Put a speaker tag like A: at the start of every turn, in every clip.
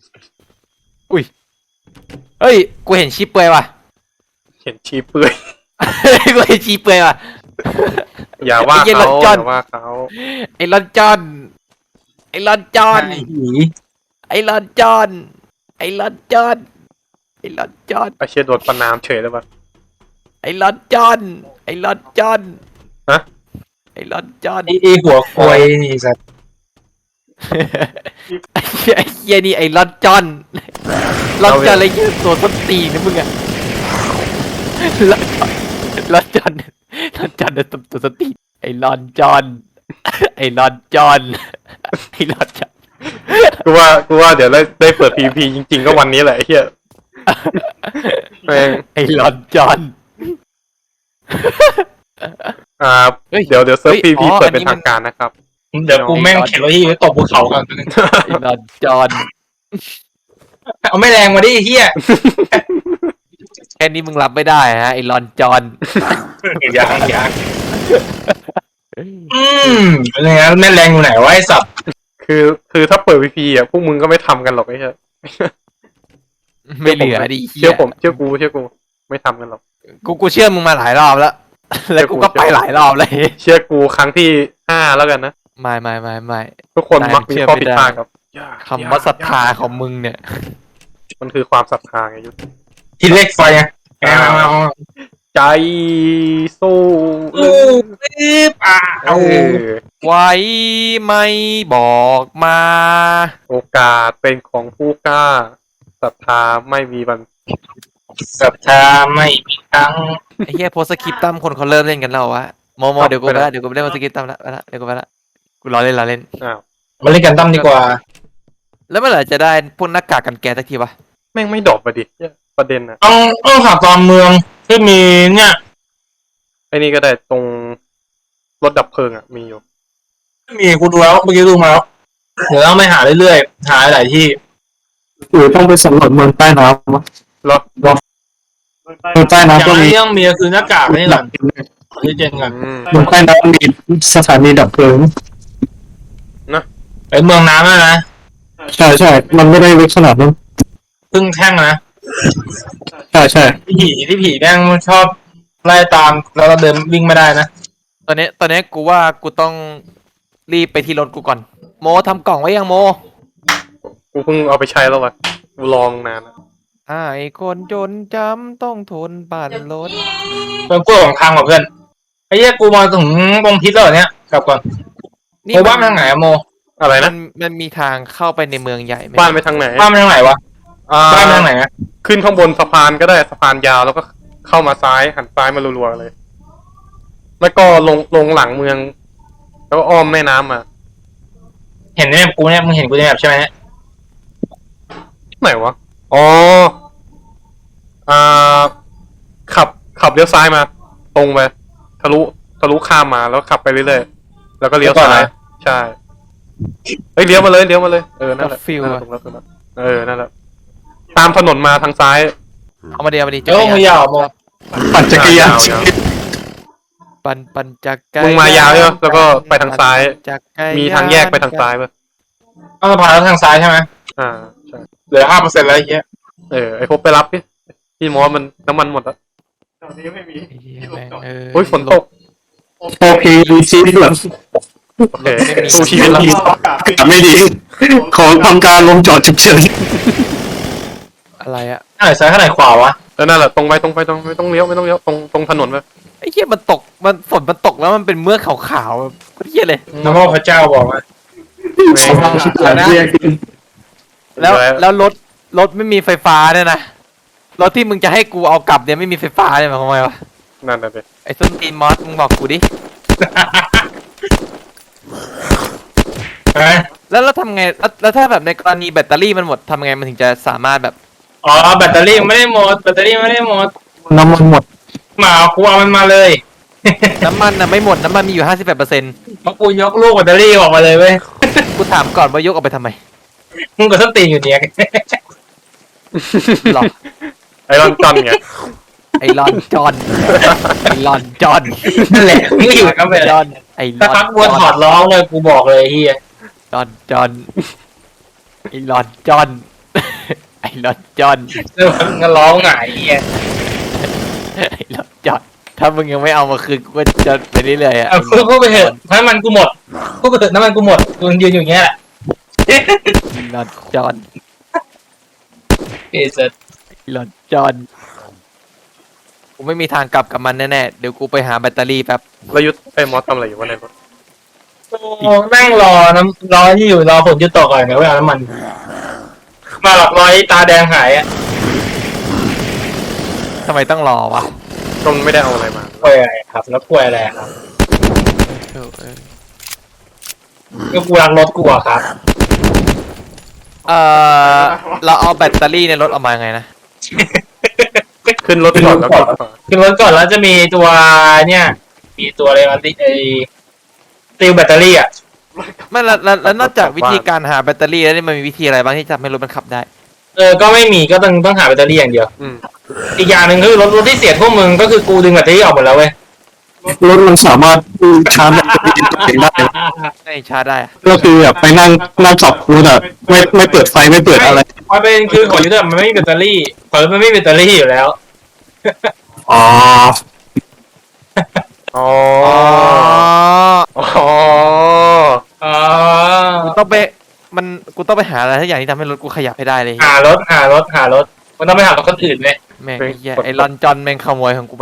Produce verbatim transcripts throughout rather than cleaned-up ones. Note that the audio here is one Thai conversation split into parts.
A: อุ้ยเฮ้ยกูเห็นชีเปลือยว่ะ
B: เห็นชีเปื่อย
A: กูเห็นชีเปลือยว่ะ
B: อย่าว่า
A: ไอ้เหี้ย
B: เขา
A: รถจ
B: อ
A: อด
B: ย่าว่าเขา
A: ไอ้ลอนจอนไอ้ลอนจอน
C: ไอ้ผี
A: ไอ้ลอนจอนไอ้ลอนจอนไอ้ลอนจอน
B: ไอเชียโดนประนามเฉยเลยปะ
A: ไอ้ลอนจอนไอ้ลอนจอน
B: ฮะ
A: ไอ้ลอนจอน
C: ไอ้ไอ้หัวควายนี่สัตว์
A: ไอ้เหี้ยไอ้เหี้ยนี่ไอ้ลอนจอนลอนจอนอะไรเงี้ยตัวต้นตีนนะมึงอะลอนลอนจอนลอนจอนตัวตัวต้นตีนไอ้ลอนจอนไอ้ลอนจอนไอ้ลอนจอน
B: กูว่ากูว่าเดี๋ยวได้ได้เปิดพีพีจริงๆก็วันนี้แหละไอ้เหี้ยแม่ง
A: ไอ้ลอนจอน
B: อ่า
A: เฮ้ย
B: เดี๋ยวเดี๋ยวเซิร์ฟ
A: เฮ้
B: พี
A: ยอ๋
B: พี
A: อ
B: เปิด
A: อันนี้
B: เป็นทางการนะครับ
C: เดี๋ยวกูแม่งเข็นรถที่ไว้ตบภูเขากัน
A: ไอ้ลอนจอน
C: เอาไม่แรงมาดิไอ้เฮีย
A: แค่นี้มึงรับไม่ได้ฮะไอ้ลอนจอน
C: ยังยังอืมอะไรเงี้ยแม่แรงอยู่ไหนวะไอ้สัตว์
B: คือคือถ้าเปิดพีพีอ่ะพวกมึงก็ไม่ทำกันหรอกไอ้เหี้ย
A: ไม่เหลือดิเหี้
B: เชื่อย ผมเชื่อกูเชื่อกูไม่ทำกันหรอก
A: กูกูเชื่อมึงมาหลายรอบแล้ว แล้วกูก็ไปหลายรอบเลย
B: เชื่อกูครั้งที่ห้าแล้วกันนะ
A: ไม่ไม่ไม่ไม่
B: ทุกคน
A: นาย
B: มักมี
A: เชื่อ
B: ข้อ
A: ไม่
B: ผิด
A: ได้
B: พลาดครับ
A: คำว่าศรัทธาของมึงเนี่ย
B: มันคือความศรัทธาไงยุทธ
C: ที่เล็กไฟไง
B: ใจสู้
C: อู้ปี๊บอ่ะ
B: เอ
C: เอา
B: อ
A: ไว้ไม่บอกมา
B: โอกาสเป็นของผู้กล้าศรัทธาไม่มีบัน
C: ศรัทธาไม่มีครั้ง
A: ไอ้เหี้ยโพสคริปต์ตั้มคนเขาเริ่มเล่นกันแล้ววะโมโมเดี๋ยวกูไปละเดี๋ยวกูไปเล่นโพสคริปต์ตั้มละไปละเดี๋ยวกูไปละกูรอเล่นรอเล่น
B: อ้าว
C: มาเล่นกันตั้มดีกว่า
A: แล้วเมื่อไหร่จะได้พวกหน้ากากกันแก๊สสักทีวะ
B: แม่งไม่ดรอปไปดิเนี่ยประเด็นอะ
C: ต้องต้องขับตอนเมืองที่มีเนี่ย
B: ไอ้นี่ก็ได้ตรงรถดับเพลิงอะมีอยู่
C: มีกูดูแล้วเมื่อกี้ดูมาแล้วเดี๋ยวต้องไปหาเรื่อยๆหาหลายที่
D: หรือต้องไปสำรวจเมืองใต้น้ำวะ
B: รถ
D: เมืองใต้
C: อย่าง
D: น้ำก็
C: แรก
D: มี
C: ที่ต้องมีก็คือหน้ากากนี่แหละที่เจนกัน
B: อืม
D: เมืองใต้น้ำมีสถานีดับเพลิง
C: ไอ้เมืองน้ำนะนะ
D: ใช่ใช่มันไม่ได้ลึกขนาดนั้น
C: พึ่งแท่งนะ
D: ใช่ใช่
C: ที่ผีที่ผีแม่งชอบไล่ตามแล้วเราเดินวิ่งไม่ได้นะ
A: ตอนนี้ตอนนี้กูว่ากูต้องรีบไปที่รถกูก่อนโมทำกล่องไว้ยังโม
B: กูเพิ่งเอาไปใช้แล้ววะกูลองนานแล้ว
A: อ่าไอคนจนจำต้องทนปั่นรถ
C: เป็นกู้ของทางกับเพื่อนไอ้เหี้ยกูมาถึงตรงทิศแล้วเหรอเนี่ยกลับก่อนโมบ้านไปทางไหนอะโม
B: อะไร
A: มั
B: นะ
A: นมันมีทางเข้าไปในเมืองใหญ่ไหม
B: บ้านไปทางไหน
C: บ้านไปทางไหนวะ
B: อ่า
C: บ้านไปทางไหนอะ
B: ขึ้นข้างบนสะพานก็ได้สะพานยาวแล้วก็เข้ามาซ้ายหันซ้ายมารัวๆเลย แล้วก็ลงลงหลังเมือง แล้วก็อ้อมแม่น้ำมา
C: เห็นในแบบกูเนี่ยมึงเห็นกูในแบบใช่ไหมเนี่ย
B: ไหนวะอ๋ออ่าขับขับเลี้ยวซ้ายมา ตรงไปทะลุทะลุข้ามมาแล้วขับไปเรื่อยๆแล้วก็เลี้ยวซ้ายใช่เฮ้ยเลี้ยวมาเลยเลี้ยวมาเลยเออนั่นแหละ
A: ฟิล
B: นั่นแห
A: อะ
B: ละถูกแล้วถูกแล้วเออนั่นแหละตามถนนมาทางซ้าย
A: เอามาเดียวมาดี
C: เดี๋ยวมึงยาวโม
D: ปั่นจักรยาน
B: ยาว
A: ปันปันจักร
B: มึงมายาวใช่ไหมแล้วก็ไปทางซ้าย
A: จักรยน
B: มีทางแยกไปทางซ้ายป่ะ
C: ต้องสะพานแล้วทางซ้ายใช่ไหม
B: อ่าใช่
C: เหลือห้าเปอร์เซ็นต์แล้วไอ้เหี้ย
B: เออไอพบไปรับพี่พี่มอสมันน้ำมันหมดแล้ว
A: ไอ้เหี้ยแม่งเออ
B: โอ้ยฝนตก
D: โอเคดูชีวิตแบบ
B: โอเคสู้ชีวิตแล้ว
D: ไม่ดี ขอทำการลงจอดฉุกเฉิน
A: อะไรอะ
C: ข้างไหนซ้ายข้างไหนขวาวะ
B: แล้วนั่นแหละตรงไปตรงไปตรงไม่ต้องเลี้ยวไม่ต้องเลี้ยวตรงตรงถนนไป
A: ไอ้เหี้ยมันตกมันฝนมันตกแล้วมันเป็นเมือกขาวๆแบบเหี้ยเลย
C: น้ำพ่อพระเจ้าบอกว่า
D: ขอความชิบหายเรียก
A: แล้วแล้วรถรถไม่มีไฟฟ้าเนี่ยนะรถที่มึงจะให้กูเอากลับเนี่ยไม่มีไฟฟ้าเนี่ยหมายความว่าไงวะ
B: นั่นน่ะสิ
A: ไอ้ส้นตีนมอสมึงบอกกูดิ
C: เอ้ย
A: แล้วเราทำไงแล้วแล้วถ้าแบบในกรณีแบตเตอรี่มันหมดทำไงมันถึงจะสามารถแบบ
C: อ๋อแบตเตอรี่ไม่ได้หมดแบตเตอรี่ไม่ได้หมด
D: น้ำมันหมด
C: มาเอากูเอามันมาเลย
A: น้ำมันนะไม่หมดน้ำมันมีอยู่ห้าสิบแปดเปอร์เซ็นต์
C: เพราะกูยกลูกแบตเตอรี่ออกมาเลยเว้ย
A: กูถามก่อนว่ายกออกไปทำไม
C: มึงก็ส้นตีนอยู่เนี่ย
A: หรอ
B: ไอรอนจอนไง
A: ไอรอนจอนไอรอนจอน
C: นั่นแหละมึงอยู่กันไป
A: จ
C: เลย
A: อนไอร
C: ถ้า
A: อน
C: พักบัวถอดร้องเลยกูบอกเลยเฮีย
A: จอนจอนไอรอนจอนไอ้ลอนจอน
C: แล้วมันก็ร้องหงายเฮีย
A: ไอ้ลอนจอนถ้ามึงยังไม่เอามาคืนกูก็จะไปเรื่อยๆอ่ะ
C: เอาพูดไปเถอะน้ำมันกูหมดพูดไปเถอะน้ำมันกูหมดกูยืนอยู่อย่างเงี้ยแหละ
A: ไอ้ลอนจอน
C: เอเซอร์
A: ไอ้ลอนจอนกูไม่มีทางกลับกับมันแน่ๆเดี๋ยวกูไปหาแบตเตอรี่แป๊บ
B: แล้วยุทธไอ้มอสทำอะไรอยู่วะไหนวะ
C: นั่งรอน้ำรอที่อยู่รอฝนหยุดตกก่อนเดี๋ยวไปเอาน้ำมัน มาหลอกรอยตาแดงหายอ่ะ
A: ทำไมต้องรอวะ
B: ก็ไม่ได้เอาอะไรมา
C: กล้วยอะไรครับ แล้วกล้วยอะไรครับ
A: เออเออ
C: ก็กูรักรถกูอะครับ
A: เออเราเอาแบตเตอรี่ในรถออกมาไงนะ
B: ขึ้นรถก่อนแล้วก็
C: ขึ้นรถก่อนแล้วจะมีตัวเนี่ย มีตัวอะไรมาติไอติวแบตเตอรี่อ่ะ
A: ไม่แล้วแล้วแล้วนอกจากวิธีการหาแบตเตอรี่แล้วนี่มันมีวิธีอะไรบ้างที่จะทำให้รถมันขับได้
C: เออ ก็ไม่มีก็ต้องต้องหาแบตเตอรี่อย่างเดียว
B: อืม
C: อีกอย่างหนึ่งคือรถรถที่เสียพวกมึงก็คือกูดึงแบตเตอรี่ออกหมดแล้วเว้ย
D: รถมันสามารถชาร์จแบตเตอรี่ตัวเองได้
A: ไม่ชาร์จได้อะ
D: ก็คือแบบไปนั่งนั่งขับรถอะไม่ไม่เปิดไฟไม่เปิดอะไร
C: มันเป็นคือของยูเซอร์มันไม่มีแบตเตอรี่ของมันไม่มีแบตเตอรี่อยู่แล้ว
D: อ๋อ
B: อ๋อ
A: อ๋อ
B: อ๋อ
C: อ๋อ
A: กูต้องไปมันกูต้องไปหาอะไรทุกอย่างที่ทำให้รถกูขยับให้ได้เลย
C: หารถหารถหารถมันต้องไปหารถคนอื่นเลย
A: แม่งไอ้เหี้ยไอ้ลอนจอนแม่งขโมยของกูไป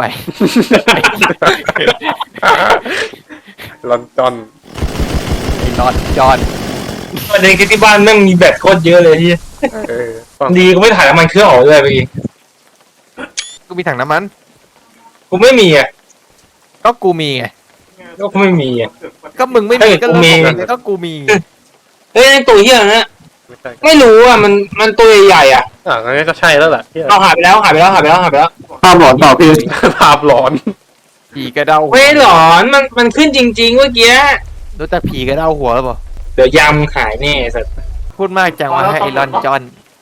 B: ลอนจอน
A: ไอ้ลอนจอน
C: ประเด็นคือที่บ้านแม่งมีแบตโคตรเยอะเลยที่
B: เออฟัง
C: ดีก็ไม่ถ่ายน้ำมันเครื่องออกด้วยพี่
A: กูมีถังน้ำมัน
C: กูไม่มีอ่ะ
A: ก็กูมีไง
C: ก็กูไม่มีอ่ะ
A: ก็มึงไม่มี
C: เฮ้ย
A: ก็
C: กู
A: เรื่อง
C: มี
A: ของมึงก็กูมี
C: เฮ้ยไอ้ตัวเหี้ยนะ
B: ไม่ใช่
C: ไม่รู้อ่ะมันมันตัวใหญ่ๆอ่ะ
B: อ่ะงั้นก็ใช่แล้วแหละที่
C: เอาหายไปแล้วหายไปแล้วหายไปแล้วหายไปแล้ว
D: ภาพหลอนเปล่าพี่
B: ภาพหลอน
A: ผีกระเด้าหัว
C: เฮ้ยหลอนมันมันขึ้นจริงๆเมื่อกี้
A: รู้จักผีกระเด้าหัวหรือเปล่า
C: เดี๋ยวยำหายแน่สัตว์
A: พูดมากจังว่าให้ไอ้ลอนจอน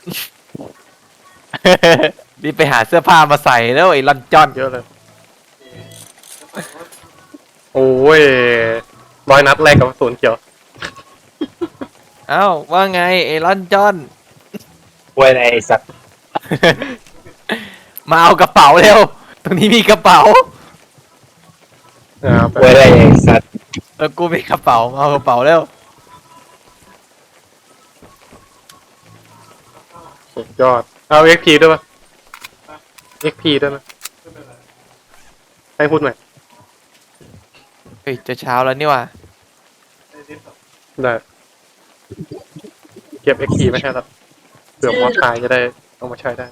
A: รีบไปหาเสื้อผ้ามาใส่แล้วไอ้ลอนจอน
B: เยอะเลย โอ้ยร้อยนัดแรกกับศูนย์เขียว
A: เอ้าว่าไงไอ้ลอนจอน
C: กล้วยอะไรไอ้สัตว์
A: มาเอากระเป๋าเร็ว ตรงนี้มีกระเป๋า
B: อ่าก
C: ล้วยอะไรไอ้สัตว์
A: เออกูมีกระเป๋ามาเอากระเป๋าเร็ว
B: สุดยอด เอาเอ็กพีด้วยปะเอ็กพีด้วยนะให้พูดหน่อย
A: เฮ้ยจะเช้าแล้วนี่ว่ะ
B: ได้ เก็บเอ็กพีไม่ใช่หรอกเผื่อมอสตายจะได้เอามาใช้ได้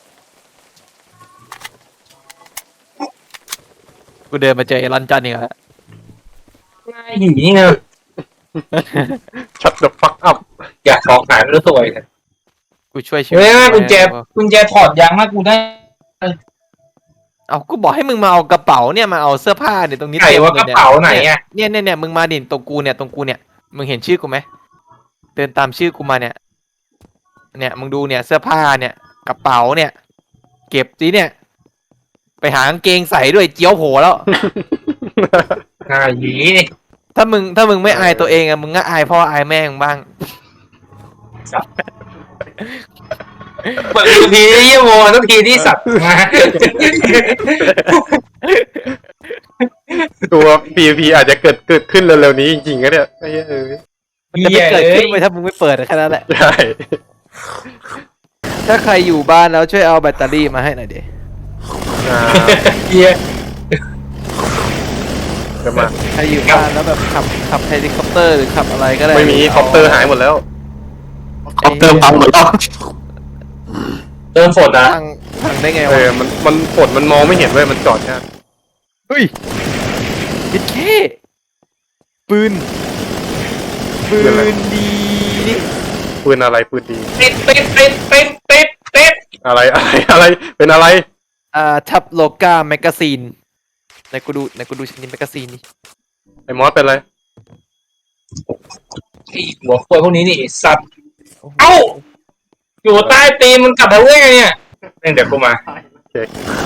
A: กูเดินมาเจอไอ้ลอนจอนนี่แล้ว
C: ง่ายหีนี่ไง
B: ชัด the fuck up
C: อยากของหายไม่รู้ตัวเลย
A: กูช่วยชีวิต
C: เฮ้ย
A: มึง
C: กุญแจ
A: ไว้
C: กุญแจถอดยางมากูได้
A: เอากูบอกให้มึงมาเอากระเป๋าเนี่ยมาเอาเสื้อผ้าเนี่ยตรงนี้
C: ไหน
A: ต็ม
C: ว่า
A: ล
C: ก
A: ย
C: ระ
A: นี่ย
C: เป๋าไหนอ่ะ
A: เนี่ยเนี่ยเนี่ยมึงมาดิตรงกูเนี่ยตรงกูเนี่ยมึงเห็นชื่อกูไหมเดินตามชื่อกูมาเนี่ย เนี่ยมึงดูเนี่ยเสื้อผ้าเนี่ย กระเป๋าเนี่ย เก็บสิเนี่ย ไปหากางเกงใส่ด้วยเจียวโผล่แล้ว
C: ง่ายหี
A: ถ้ามึงถ้ามึงไม่อายตัวเองอะมึงก็อายพ่ออายแม่มึงบ้าง
C: เปิดทีเยี่ยมโมทุกทีที่สัตว์มา
B: ตัว พี วี พี อาจจะเกิดเกิดขึ้นเร็วๆนี้จริงๆก็เนี่ยไอ้เหี้ยเออ
A: มันจะไม่เกิดขึ้นไปถ้ามึงไม่เปิดแค่นั้นแหละ
B: ใช่
A: ถ้าใครอยู่บ้านแล้วช่วยเอาแบตเตอรี่มาให้หน่อยดิ
B: อ่า
C: เฮีย
B: เดี๋ยวมา
A: ใครอยู่บ้านแล้วแบบขับขับเฮลิคอปเตอร์หรือขับอะไรก็ได้
B: ไม่มีคอปเตอร์หายหมดแล้ว
D: คอปเตอร์พังหมดแล้ว
C: เติมฝนนะ
A: พังพังได้ไง
B: เอ
A: วะ
B: อ มัน มันฝนมันมองไม่เห็นเว้ย มันจอดแค่
A: เฮ้ยยิดเคปืน ปืนดีนี่
B: ปืนอะไรปืนดี
C: ปิดปิดปิดปิดปิดปิด
B: อะไร อะไร อะไร เป็นอะไร
A: อ่าทับโลกาแมกกาซีนไหนกูดูไหนกูดูชิ้นนี้แมกกาซีนนี่
B: ไอ้มอสเป็นอะไร
C: ไอ้หัวควยพวกนี้นี่ไอ้สัตว์เอ้าอยู่ใต้ตีนมันกลับมาได้ไงเนี่ยเดี๋ยวกูมา
B: โอเค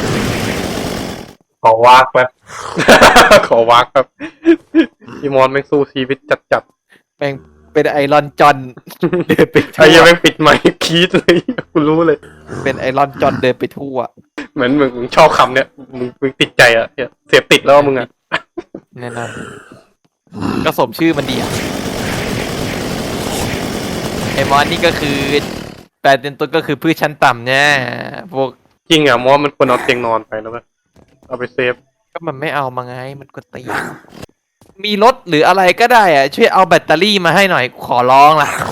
C: ขอวากแป๊บ
B: ขอวักครับพี่มอสแม่งสู้ชีวิตจัดจัด
A: แม่งเป็นไอรอนจอนเดินไปทั่
B: ไอ้ยัง
A: ว
B: ไม่งปิดไมค์คีดเลยกูรู้เลย
A: เป็นไอรอนจอนเดินไปทั่ว
B: เหมือนมึงมึงชอบคำเนี้ยมึงมึงติดใจอ่ะเหี้ยเสพติดแล้วมึงอ่ะ
A: แน่นอนก็สมชื่อมันดีอะไอมอนนี่ก็คือแปลเป็นต้นก็คือพืชชั้นต่ำเนี่ยพวก
B: จริงอ่ะมอสมันควรเอาเตียงนอนไปแล้วมั้ยเอาไปเซฟ
A: ก็มันไม่เอามาไงมันก็ตีมีรถหรืออะไรก็ได้อะช่วยเอาแบตเตอรี่มาให้หน่อยขอร้องล่ะ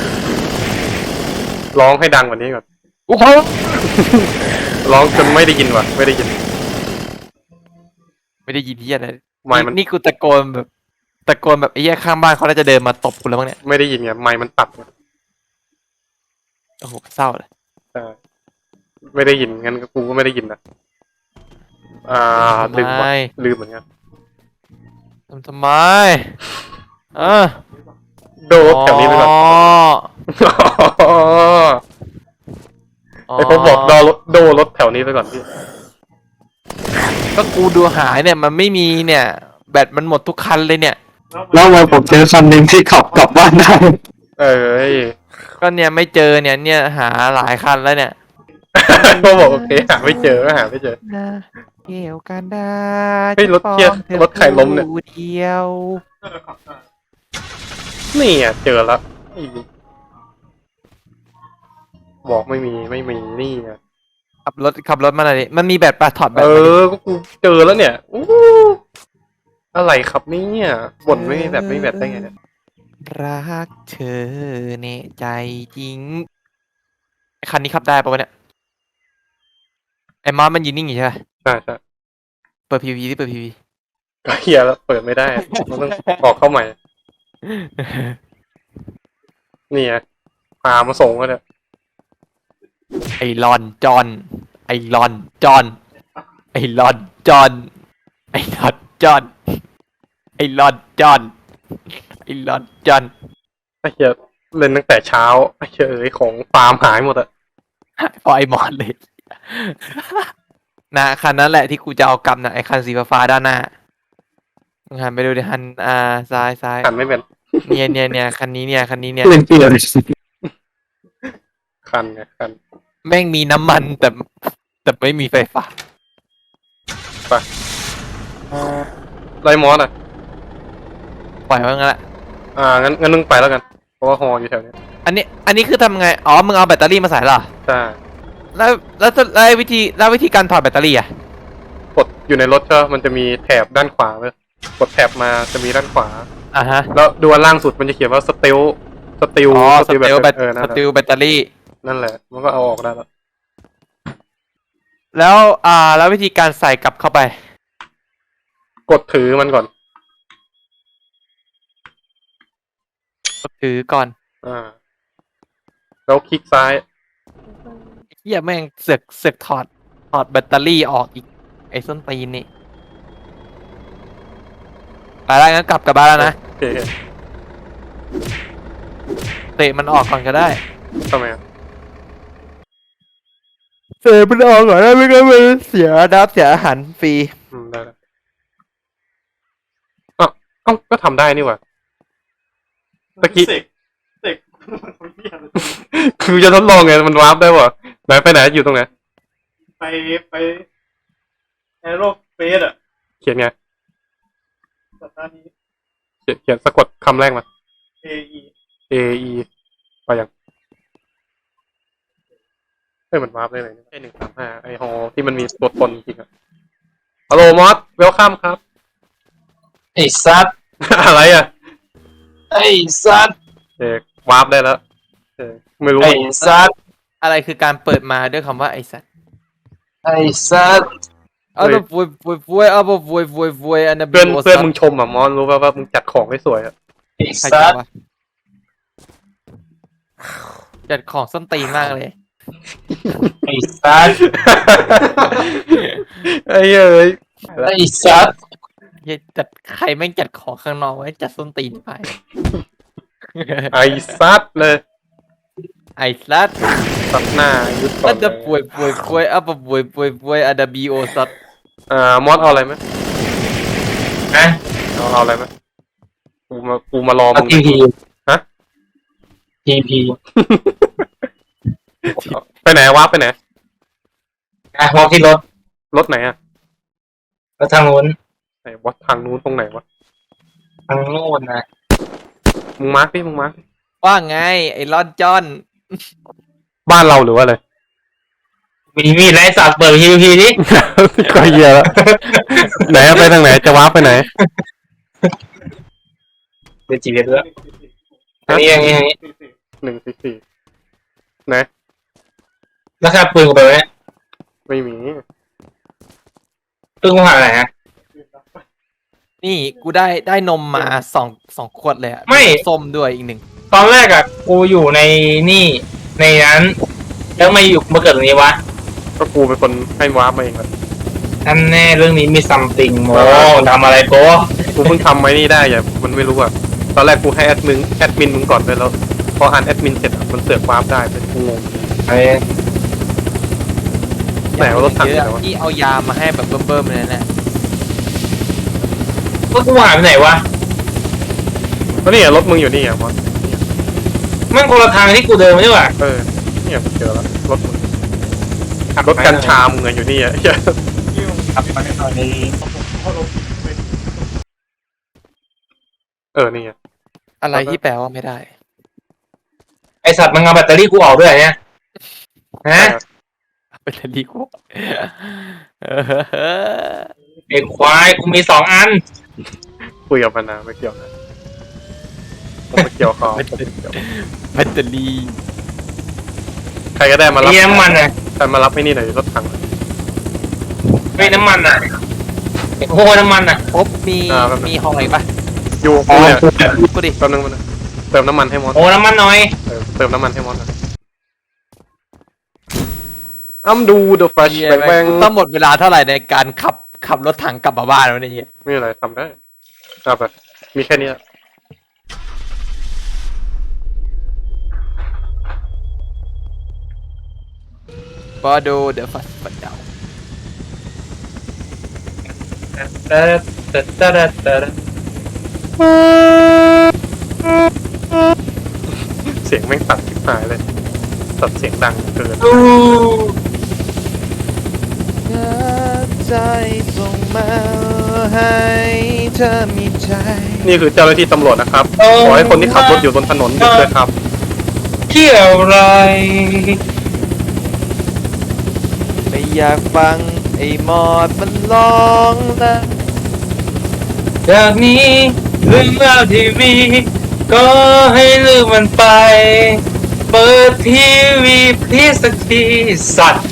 B: ร้องให้ดังกว่านี้ก่อน
A: โอ้โห
B: ร้องจนไม่ได้ยินว่ะไม่ได้ยิน
A: ไม่ได้ยินที่อะไร
B: ไมค์มัน
A: นี่กูตะโกนแบบตะโกนแบบไอ้แย่ข้างบ้านเขาน่าจะเดินมาตบกูแล้วมั้งเนี่ย
B: ไม่ได้ยินไงไมค์มันตัดไง
A: โอ้โหเศร้าเลย
B: ใช่ไม่ได้ยินงั้นก็กูก็ไม่ได้ยินนะอ่าลืมว่ะลืมเหมือนกัน
A: ทำทำไมเออ
B: โดดแถวนี้ไปก่อน
A: อ๋อ
B: ไอ้ผมบอกโดรถโดรถแถวนี้ไปก่อนพี่
A: ก็กูดูหายเนี่ยมันไม่มีเนี่ย แบตมันหมดทุกคันเลยเนี่ย
D: แล้วมาผมเจอคันหนึ่งที่ขับกลับบ้านได้
B: เอ้ย
A: ก็เนี่ยไม่เจอเนี่ยเนี่ยหาหลายคันแล้วเนี่ย
B: ก็บอกโอเคหาไม่เจอก็หาไม่เจอ
A: นะเกี่ยวกันได้
B: เฮ้ยรถเกียร์รถใครล้มเนี่ย
A: ผู้เดียว
B: นี่อ่ะเจอแล้วอีบอกไม่มีไม่มีนี่ไง
A: ขับรถขับรถมาหน่อยดิมันมีแบตปะถอดแบ
B: เอ
A: ตมาดิ
B: อก็กูเจอแล้วเนี่ยอู้อะไรครับเนี่ยบ่นไม่มีแบบไม่มีแบบได้ไงเนี่ย
A: รักเธอเนใจจริงไอ้คันนี้ขับได้ปะวะเนี่ยไอ้มอสมันยืนนิ่งอยู่ใช่ปะ
B: ใช่ใช่
A: เปิดพีวีที่เปิดพีวี
B: ก็เฮียแล้วเปิดไม่ได้มันต้องออกเข้าใหม่นี่ไงพามาส่งแล้วเนี่ย
A: ไอรอนจอนไอรอนจอนไอรอนจอนไอรอนจอนไอรอนจอนไอรอนจอน
B: ไอ้เฮียเล่นตั้งแต่เช้าไอ้เฮียเอ้ยของฟาร์มหายหมดอะ
A: พอไอมอนเลย นะคันนั้นแหละที่กูจะเอากำนะไอคันสีฟ้าๆด้านหน้ามึงหันไปดูดิหันอ่าซ้ายซ้าย
B: หันไม่เป็น
A: เนี่ยเนี่ยเนี่ยคันนี้เนี่ยคันนี้เนี่ย
D: เล่นเปลี่ยน
B: คันไงคัน
A: แม่งมีน้ำมันแต่แต่ไม่มีไฟฟ้า
B: ไรมอสอะ
A: ปล่อยไว้งั้นแหละ
B: อ่างั้นงั้นนึงไปแล้วกันเพราะว่าฮออยู่แถวเนี้ย
A: อันนี้อันนี้คือทำไงอ๋อมึงเอาแบตเตอรี่มาใส่เหรอ
B: ใช่
A: แล้วแล้วแล้ววิธีแล้ววิธีการถอดแบตเตอรี่อ่ะ
B: กดอยู่ในรถก็มันจะมีแถบด้านขวาเลยกดแถบมาจะมีด้านขวา
A: อ่าฮะ
B: แล้วดูอันล่างสุดมันจะเขียนว่าสเตลสเตล
A: อ๋อสติลแบต
B: เออนั่
A: ส
B: นแห
A: ติ
B: ละ
A: ลแบตเตอรี่
B: นั่นแหละ มันก็เอาออกได้แล้ว
A: แล้วอ่าแล้ววิธีการใส่กลับเข้าไป
B: กดถือมันก่อน
A: ถือก่อน
B: อ่า แล้วคลิกซ้าย
A: เฮียแม่งเสือกเสือกถอดถอดแบตเตอรี่ออกอีกไอ้ส้นตีนนี่ไปแล้วงั้นกลับกลับบ้านแล้วนะ
B: โอเค
A: เตะมันออกก่อนก็ได้
B: ทำไมอ่ะ
A: เตะมันออกก่อนได้ไม่งั้นมันเสียดับเสียอาหารฟรี
B: อืมได้แล้วอ้าวเอ้าก็ทำได้นี่หว่าตะกี้
E: เสกเสกมันเหี้ยเลย
B: คือจะทดลองไงมันวาร์ปได้ป่ะไหนไปไหนอยู่ตรงไหน
E: ไปไปแอโรเฟสอะ
B: เขียนไง
E: สัปดาห์นี้
B: เขียนเขียนสะกดคำแรกมา
E: เอไอ
B: A E ไปยังเฮ้ยมันวาร์ปได้เลยใช่หนึ่งสามห้าไอฮอที่มันมีตัวตนจริงอะฮัลโหลมอสเวลคัมครับ
C: ไอ้ซัด
B: อะไรอ่ะ
C: ไอ้ซัด
B: เอกวาร์ปได้แล้วเออไม่รู้
C: ไอ้ซัด
A: อะไรคือการเปิดมาด้วยคำว่าไอ้สัตว์
C: ไอ้ซัด
A: เอาแบบฟวยฟวยฟวยเอาแบบฟวยฟวยฟวยอันนั้น
B: เพื่อน
A: โ
B: เพื่อนมึงชมอ่ะมอสรู้ป่ะว่ามึงจัดของได้สวยอ่ะ
C: ไอ้
A: ใคร
C: ซั
A: จั
C: ด
A: ดวะจัดของส้นตีนมากเลย
C: ไอ้ซัด
B: ไอ้เอ้ย
C: ไอ้ซัด
A: เหี้ยจัดใครแม่งจัดของข้างนอกไว้จัดส้นตีนไป
B: ไอ้ซัดเลย
A: ไอ้สัตว์
B: ซัดหน้ายุดก่อ
A: มัน
B: น
A: จะ
B: เลย
A: ป่วยป่วยป่วยเอาแบบป่วยป่วยป่วยอันดับบีโอสัตว์
B: อ่ามอสเอาอะไรไหม
C: นะ
B: เอาเอาอะไรไหมกูมากูมารอ
C: เอา
B: มึง
C: ทีที
B: ฮะ
C: พีพี
B: ไปไหนวะไปไหน
C: อ่ะมองที่รถ
B: รถไหนอะ
C: รถทางนู้น
B: ไหนวะทางนู้นตรงไหนวะ
C: ทางโน้นนะ
B: มึงมาร์คดิมึงมาร์คดิ
A: ว่าไง ไอ้ลอนจอน
B: บ้านเราหรือว่าอะไร
C: มีมีดไร้สัตว์เปิดพีพีดิ
B: ก็เหี้ยแล้วไหนอะไปทางไหนจะวาร์ปไปไหน
C: เป็นจีเรียด้วยอันนี้อย่างนี้อย่างนี้
B: หนึ่งสี่สี่ไหน
C: แล้วแค่ปืนกูไปไว้เนี่ย
B: ไม่มี
C: ปืนกูหายไหนฮะ
A: นี่กูได้ได้นมมาสองสองขวดเลยอะ
C: ไม่
A: ส้มด้วยอีกหนึ่ง
C: ตอนแรกอะกูอยู่ในนี่ในนั้น แล้วมาอยู่มาเกิดตรงนี้วะ
B: ก็กูเป็นคนให้วาร์ปมาเองอะ
C: นั่นแน่เรื่องนี้มีซัมติงโมทำอะไรโป๊ะ
B: กูเพิ่งทำไว้นี่ได้อย่ามันไม่รู้อะตอนแรกกูให้แอดมินแอดมินมึงก่อนไปแล้ว พออ่านแอดมินเสร็จอะมันเสือกวาร์ปได้เป็นกูงง
C: ไอ้
B: ไหนว่ารถถัง
A: เย
B: ไหน
A: อะ
B: วะ
A: ที่เอายามาให้แบบเบิ่มๆเลยนะ
C: ก็กูหายไปไหนวะ
B: ก็นี่อะรถมึงอยู่นี่อะวะ
C: แมันคนละทางที่กูเดินมาด้วยว่ะ
B: เออเนี่ยกูเจอแล้วรถมึงรถกัญชามึงอะอยู่นี่อะเหี้ย
C: ขับไปตอนนี้
B: เออนี่อะ
A: อะไรที่แปลว่าไม่ได้
C: ไอสัตว์มันเอาแบตเตอรี่กูออกด้วยเหรอเนี่ยฮะ
A: เป็นอะไรกูเออ
C: ไอควายกูมีสองอัน
B: คุยกับมันนะไม่เกี่ยวนะผมไม่เกี่ยวเขาผมไม่เกี่ยว
A: แบตเตอรี่
B: ใครก็ได้มารับ
C: มีน้ำมันอ่ะ
B: ใครมารับไอ้นี่หน่อยรถถัง
C: ไม่น้ำมันอ่ะโอ้โหน้ำมันอ่ะ
A: ปุ๊บมีมีห้องอะไรปะ
B: อยู่กูเนี่ย
A: กูดิ
B: แป๊บนึงมันงเติมน้ำมันให้มอส
C: โอ้น้ำมันน้อย
B: เออเติมน้ำมันให้มอสหน่อยอ้ำดู The Flash
A: เหี้ย
B: แบงแบง
A: กูต้องหมดเวลาเท่าไหร่ในการขับขับรถถังกลับมาบ้านวะเนี่ยเหี้ย
B: ไม่มีอะไรทำได้เอาไปมีแค่เนี้ย
A: บอดูเดี๋ยวฟัดฟัดเดา
C: ตะตะตะตะตะตะ
B: เสียงแม่งตัดชิบหายเลยตัดเสียงดังเกิน
C: อู้
A: ใจส่งมาให้เธอมีใจ
B: นี่คือเจ้าหน้าที่ตำรวจนะครับ ขอให้คนที่ขับรถอยู่บนถนนหยุดด้วยครับ
C: เที่ยวไร
A: ไม่อยากฟังไอ้หมอดมันร้องนะ
C: จากนี้เรื่องราวที่มีก็ให้ลืมมันไป เปิดทีวีพีสักทีสัตว์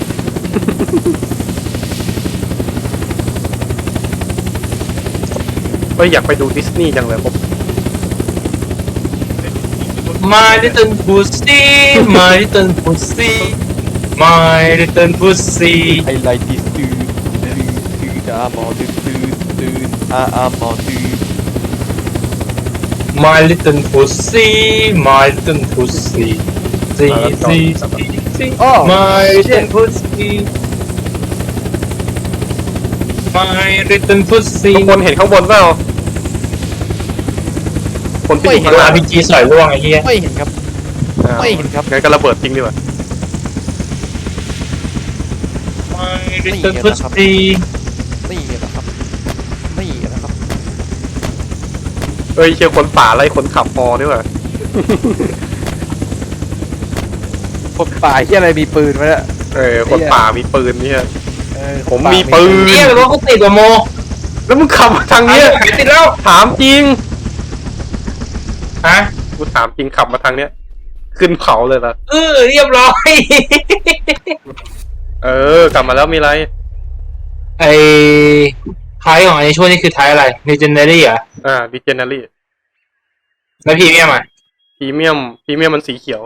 B: เอ้ยอยากไปดูดิสนีย์จังเลยผม
C: My little pussy My little pussy My little pussy
A: ไอ้ไรดิสตื่นตื่นตื่นอาหมอตื่นตื่นตื่นอาอาหมอตื่น
C: My little pussy My little pussy See see see see My little pussy My little pussy
B: ทุกคนเห็นข้างบนเปล่าคนที่อยู่ข้าง
C: โดน
B: ล่า
C: อาง ร์พีจีสอยร่วงไอ้เหี้ย
A: ไม่เห็นครับ
B: อ่า
A: ไม่เห็นครับ
B: งั้นก็ระเบิดจริงดีกว่า
C: My little pussy
A: ไม่เห็นนะครับไม่เห็นนะครับ
B: เอ้ยเชียร์คนป่าไล่คนขับพอดีกว่า
A: คนป่าที่อะไรมีปืนมาเนี่ย
B: เออคนป่ามีปืนเนี่ย
A: เออ
B: ผมมีปืน
C: เนี่ยรถกูติดกว่าโม
B: แล้วมึงขับมาทางเนี้ย
C: หายติดแล้ว
B: ถามจริง
C: ฮะ
B: กูถามจริงขับมาทางเนี้ย ขึ้นเขาเลยล่ะ
C: เออเรียบร้อย
B: เออกลับมาแล้วมีอะไร
C: ไอ้ท้ายของไอ้ช่วงนี้คือท้ายอะไร Legendary เหรอ่ะ
B: อ่าดิเจนารี่
C: แล้วพรีเมียมอ่ะ
B: พรีเมียมพรีเมียมมันสีเขียว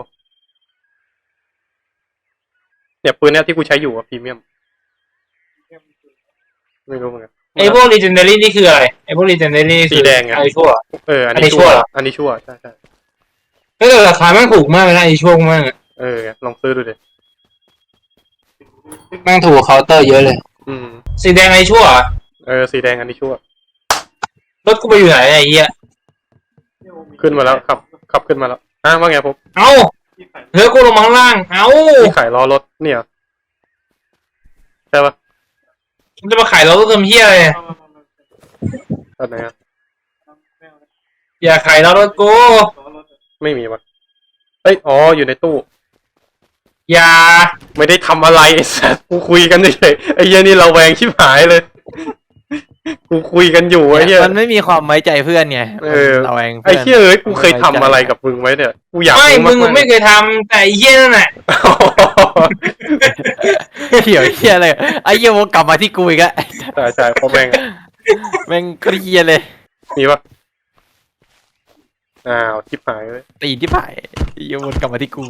B: เนี่ยปืนเนี้ยที่กูใช้อยู่อะพรีเมียม ไม่รู้เหมือนกัน
C: ไอ้พวก Legendary นี่คืออะไร ไอ้พวก Legendary
B: สี
C: คือ
B: แดงไง
C: ไอ้ชั่ว
B: เอออัน
C: อันนี้
B: นี้
C: ชั่
B: ชั่
C: ว
B: ว
C: เหรอ
B: อันนี้ชั่วใช่ใช่
C: เฮ้ยแต่ราคาแม่งถูกมากเลยนะไอ้ช่วงมากอะ
B: เออลองซื้อดูดิ
C: แม่งถูกเคาน์เตอร์เยอะเลย
B: อืม
C: สีแดงไอ้ชั่วเหรอ
B: เออสีแดงอันนี้ชั่ว
C: รถกูไปอยู่ไหนไอ้เหี้ย
B: ขึ้นมาแล้วขับขับขึ้นมาแล้วฮะว่าไงผม
C: เอ้า
E: ที่ใส่
C: เฮ้ยกูลงมาข้างล่างเอ้า
B: ที่ขายล้อรถเนี่ยใช่ปะ
C: มึงจะมาขายเราต้องทำเหี้ยอะไรเนี่ย
E: เอามามามา
B: ตอนไหนอะ
E: ไม่เอาแล้ว
C: อย่าขายเรารถกู
E: ล้อรถอะ
B: ไม่มีวะเอ้ยอ๋ออยู่ในตู้
C: อย่า
B: ไม่ได้ทำอะไรไอ้สัสกูคุยกันเฉยๆไอ้เหี้ยนี่เราแวงชิบหายเลย กูคุยกันอยู่ไอ้เหี้ย
A: มันไม่มีความไว้ใจเพื่อนไง
B: เออ
A: เราเอง
B: ไอ้
A: เพื่อน
B: เหี้ยเอ้ยกูเคยทำอะไรกับมึงไว้เนี่ยกูอยาก
C: ไม่
B: รู้
C: มึง
B: ากๆ
C: ไม่เคยทำแต่ไอ้เหี้ยนั่นแหละ
A: เขี่ยวเฮียเลยไอ้เหี้ยวกกลับมาที่กูอีกอะ
B: ใช่ใช่เพราะแม่ง
A: แม่งเกลียเลย
B: มีปะอ้าวชิบหายเลย
A: ตีนที่ผ่ายไอ้เหี้ยวนกลับมาที่กู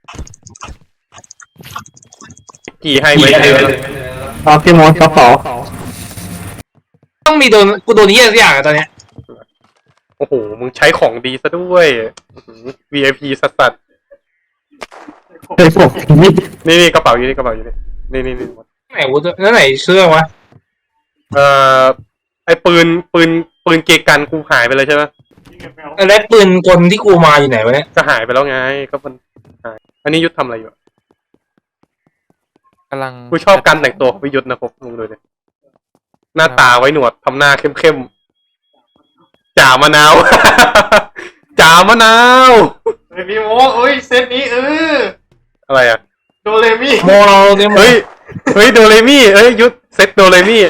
B: กี่ให้ไม่เยอะแล้ว
D: เอาพี่มดกระเป๋า
C: ต้องมีโดนกูโดนเหี้ยสักอย่างอะตอนเนี้ย
B: โอ้โหมึงใช้ของดีซะด้วยอื้อหือ วี ไอ พี สัส
D: เฮ้ยผมนี่
B: ๆนี่นี่กระเป๋าอยู่นี่กระเป๋าอยู่นี่นี่นี่นี่
C: ไหนกูแล้วไหนเสื้อวะ
B: เอ่อไอ้ปืนปืนปืนเกกันกูหายไปเลยใช่ไหม
E: ที่เก็บไม่เอา
C: แล้วปืนกลที่กูมาอยู่ไหนวะเนี่ย
B: ก็หายไปแล้วไงก็มันหายอันนี้ยุทธทำอะไรอยู่อะ
A: กำลัง
B: กูชอบการแต่งตัวของพิยุทธนะครับมึงดูเนี่ยหน้าตาไว้หนวดทำหน้าเข้มๆจ่ามะนาว จ่ามะนาว
E: เฮ้ยพี่โมเอ้ยเซตนี้เออ
B: อะไรอ่ะ
E: โดเรมิ
C: โมเราเนี่ย
B: เฮ้ยเฮ้ยโดเรมี่เอ้ยยุทธเซ็ตโดเรมี่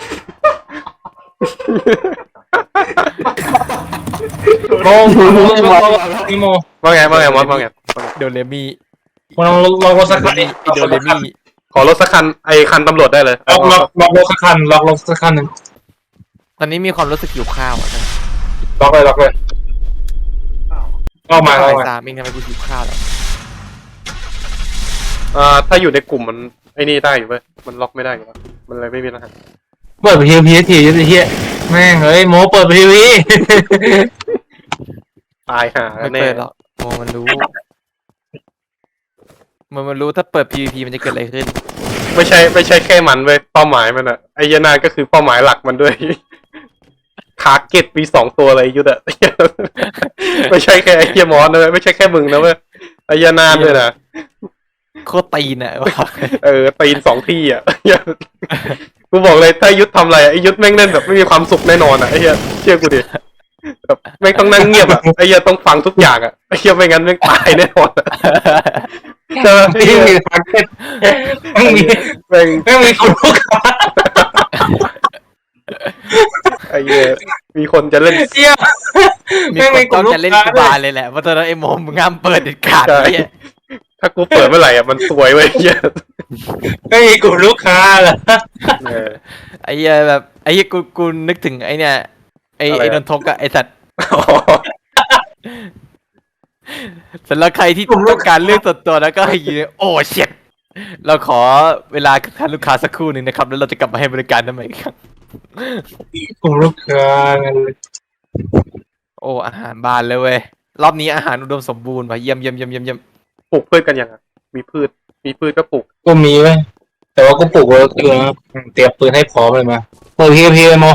C: โมโมโมนี่โม
B: ว่าไงว่าไงมอสว่าไง
A: โดเรมี่
C: โมเราลองรถสักคันดิ
A: ไอ้โดเรมี่
B: ขอรถสักคันไอคันตำรวจได้เลย
C: ล็อกล็อกล็อกรถสักคันล็อกรถสักคันหนึ่ง
A: ตอนนี้มีความรู้สึกหิวข้าวอะนะ
C: ล็อกเลยล็อกเลยล็อกมาล็อก
A: บ่าย
C: มา
A: สามเองทำไมกูหิวข้าวแล้ว
B: อ่าถ้าอยู่ในกลุ่มมันไอ้นี่ได้อยู่เว้ยมันล็อกไม่ได้อยู่แล้วมันเลยไม่มีรหัส
C: เปิดพีพีทีจะเฮียแม่งเฮ้ยโมเปิดพีพี
B: ตายห่า
A: ไม่
B: แน่
A: เปิดหรอกโมมันรู้มันมันรู้ถ้าเปิด พี วี พี มันจะเกิดอะไรขึ้น
B: ไม่ใช่ไม่ใช่แค่มันเว้ยเป้าหมายมันอะไอ้ยานาก็คือเป้าหมายหลักมันด้วย ทาร์เก็ตมีสองตัวเลยยุทธอะ ไม่ใช่แค่ไอ้เฮียมอสนะเว้ยไม่ใช่แค่มึงนะเว้ยไอ้ยานาด้วยนะ
A: โคตรตีนอะว่า
B: เออตีนสองที่อ่ะ กูบอกเลยถ้ายุทธทำอะไรอะไอ้ยุทธแม่งเล่นแบบไม่มีความสุขแน่นอนอ่ะไอ้เหี้ยเชื่อกูดิแบบแม่งต้องนั่งเงียบอ่ะไอ้เหี้ยต้องฟังทุกอย่างอ่ะไอ้เหี้ยไม่งั้นแม่งตายแน่นอนอะเจอไอ้
C: ไม่
B: เหี้ย
C: มีทาร์เก็ตไม่มี
B: แม่ง
C: ไม่มีคนลูกค้า
B: ไอ้เหี้ยมีคนจะเล่น
C: เฮีย
A: มี
C: ไม่
A: ค
C: มี
A: น
C: ค
A: ต้อน ง
C: ลูก
A: จะเล่น
C: ค้า
A: กูบานเลยแหละเพราะตอนนั้นไอ้โมมึงห้ามเปิดเด็ดขาด
B: ใช่
A: เนี่ย
B: ถ้ากูเปิดเมื่อไหร่อ่ะมันสวยเว้ยไอ้เหี้ย
C: ไม่มีกลุ่มลูกค้าเหรอ
B: เออ
A: ไอ้เหี้ยแบบไอ้เหี้ยกูกูนึกถึงไอ้เนี่ยไอ้
B: อะไรอะ
A: ไอ้นนทกอะไอ้สัตว์
B: อ๋อ
A: สำหรับใครที่ต้องการเรื่องส่วนตัวแล้วก็ให้ยืนโอ้เช็ดเราขอเวลาทานลูกค้าสักครู่หนึ่งนะครับ แล้วเราจะกลับมาให้บริการนั่นใหม่อีกครั้ง
C: กลุ่มลูกค้านั่นเลย
A: โอ้อาหารบานเลยเว้ยรอบนี้อาหารอุดมสมบูรณ์ว่ะเยี่ยมเยี่ยมเยี่ยมเยี่ยมเยี่ยม
B: ปลูกพืชกันยังอ่ะมีพืชมีพืชก็ปลูก
C: ก็มีไว้ยแต่ว่าก็ปลูกไว้เตรียมเตรียมปืนให้พร้อมเลยมาเปิดพีพีโม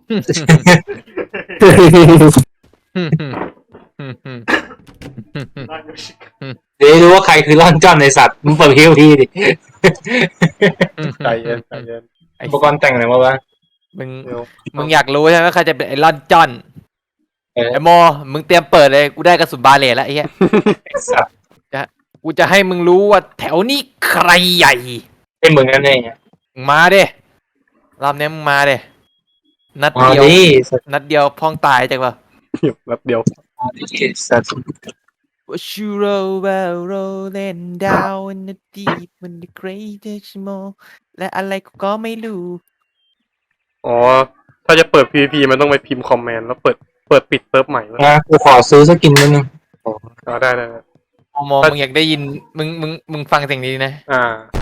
E: ร่างโยชิกะ
C: เดี๋ยวรู้ว่าใครคือร่อนจ้อนในสัตว์มึงเปิดพีพีดิ
B: ใจเย็นใจเย็น
C: อุปกรณ์แต่งอะไรมาวะ
A: มึง
B: เดี๋ยว
A: มึงอยากรู้ใช่ไหมใครจะเป็นไอรอนจอน
C: เออ
A: ไอโมมึงเตรียมเปิดเลยกูได้กระสุนบาเลตแล้วไอ้เหี้ย
C: ไอ้สัตว์
A: กูจะให้มึงรู้ว่าแถวนี้ใครใหญ่
C: เป็นมึงนั่นเองอะ
A: มึงมาเด้รอบนี้มึงมาเด้นัด
C: มา
A: เดียว
C: ดิสัตว์
A: นัดเดียวพ้องตายจังวะ
B: แป๊บเดียว
C: มาดิสัตว์
A: What you roll well rolling down in the deep in the greatest small และอะไรกูก็ไม่รู้
B: อ๋อ ถ้าจะเปิด พี วี พี มันต้องไปพิมพ์คอมเมนต์แล้วเปิด เปิดปิดเซิร์ฟใหม่แล้ว
C: นะกูขอซื้อสกินนิดนึง
B: อ๋อได้ได้ได้
A: โมมึงอยากได้ยินมึงมึงมึงฟังเสียงนี้นะ
B: อ่า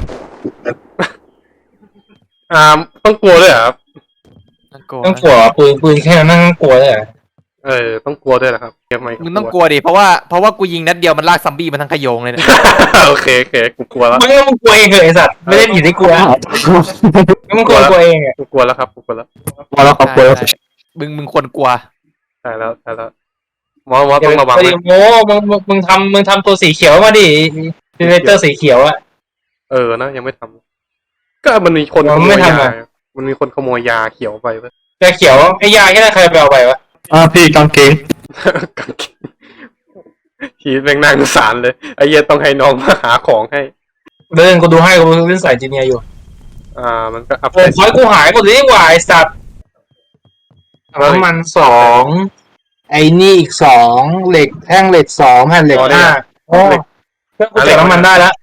B: อ่า ต้องกลัวด้วยเหรอครับ
A: น่ากลัว
C: ต้องกลัวปืนปืนแค่นั้นนั่งกลัวเลยเหรอ
B: เออ ต้องกลัวด้วยเหรอครับเกมใหม่
A: มึงต้องกลัวดิเพราะว่าเพราะว่ากูยิงนัดเดียวมันลากซัมบี้มาทั้งขโยงเลยเนี่ย
B: โอเคโอเคกูกลัวแล้ว
C: มึงก็มึงกลัวเองเหรอไอ้สัตว์ไม่ได้อยู่ที่กลัวมึงกลัวกลัวเองอะ
B: กูกลัวแล้วครับกูกลัวแล้ว
D: พอแล้วขอบคุณ
A: ใช่ใช่มึงมึงควรกลัว
B: ใช่แล้วใช่แล้วมอสมอสต้องระวัง
C: ไอ้
B: ไว้
C: โม้มึงมึงมึงทำมึงทำตัวสีเขียวมาดิเจเนเรเตอร์สีเขียวอะ
B: เออนะยังไม่ทำก็มันมีคนข
C: มัน
B: โม
C: ไม่
B: ย
C: ทำ
B: ยา
C: อะ
B: มันมีคนขโมยยาเขียวไปเว้ย
C: แต่เขียวไอ้ยาแค่นั้นใครไปเอาไปวะ
D: อ่าพี่กางเกง
B: กางเกงชีวิตแม่งน่าสงสารเลยไอ้เหี้ยต้องให้น้องมาหาของให้
C: เดินกูดูให้กูเล่นสายจีเนียร์อยู่
B: อ่า มันก็อัพ
C: โอ้ยคอยกูหายหมดเลยดีกว่าไอ้สัตว์น้ำมันสองไอ้นี่อีกสองเหล็กแท่งเหล็กสองแผ่นเหล็กห้าโอ้เพื่อนกูเจอน้ำมันได้แล้ว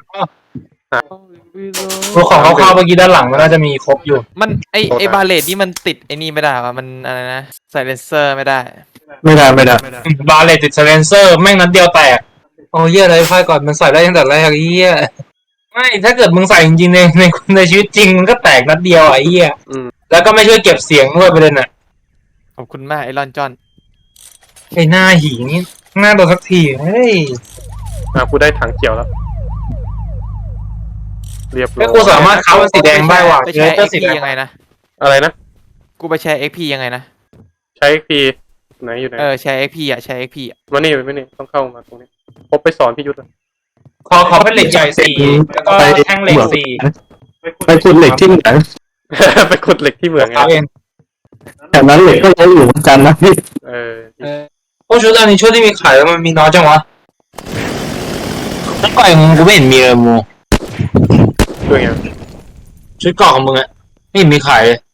C: กูของเขาเข้าเมื่อกี้ด้านหลังมันน่าจะมีครบอยู่
A: มันไอไอบาเลตนี่มันติดไอนี่ไม่ได้วะมันอะไรนะไซเลนเซอร์ไม่ได้
D: ไม่ได้ไม่ได้
C: บาเลติดสเลนเซอร์แม่งนัดเดียวแตกโอ้เหี้ยอะไรไฟก่อนมันใส่ได้ตั้งแต่แรกไอ้เหี้ยไม่ถ้าเกิดมึงใส่จริงๆในในในชีวิตจริงมันก็แตกนัดเดียวไอ้เหี้ย
B: อืม
C: แล้วก็ไม่ช่วยเก็บเสียงด้วยประเด็นน่ะ
A: ขอบคุณมากไอรอนจอน
C: ไอ้หน้าหีนี่หน้าโดนสักทีเฮ้ย
B: อ่ากูได้ถังเขียวแล้ว เรียบร้
C: แล้
B: อ
C: วย กูสามารถค้าเป็นสีแดงได้ว่ะ
A: ไป
C: เจ
A: แช
C: เน
A: ร์
C: เตอ
A: เอ็
C: ร์
A: ก
C: สี
A: พี
C: แดง
A: ยังไงนะ
B: อะไรนะ
A: กูไปแชร์เอ็กพียังไงนะ
B: ใช้พีไหนอยู่ไหน
A: เออแชร์เอ็กพีอะแชร์เอ็กพีอะ
B: มานี่มานี่ต้องเข้ามาตรงนี้พบไปสอนพี่ยุทธอะ
C: ขอขอเป็นเหล็กใหญ่สี่แล้วก็แท่งเหล็กสี่
D: ไปขุดเหล็กที่เหมือง
B: ไปขุดเหล็กที่เหมืองไง
C: เอาเอง
D: แถวนั้นเหล็กก็เยอะอยู่เหมือนกันนะพี่
B: เออ
C: เออพวกชุดอันนี้ชุดที่มีขายแล้วมันมีน้อยจังวะชุดก่อยมึงกูไม่เห็นมีเลยมู
B: ด้วยไง
C: ชุดเกาะของมึงอะไม่เห็นมีขายเลย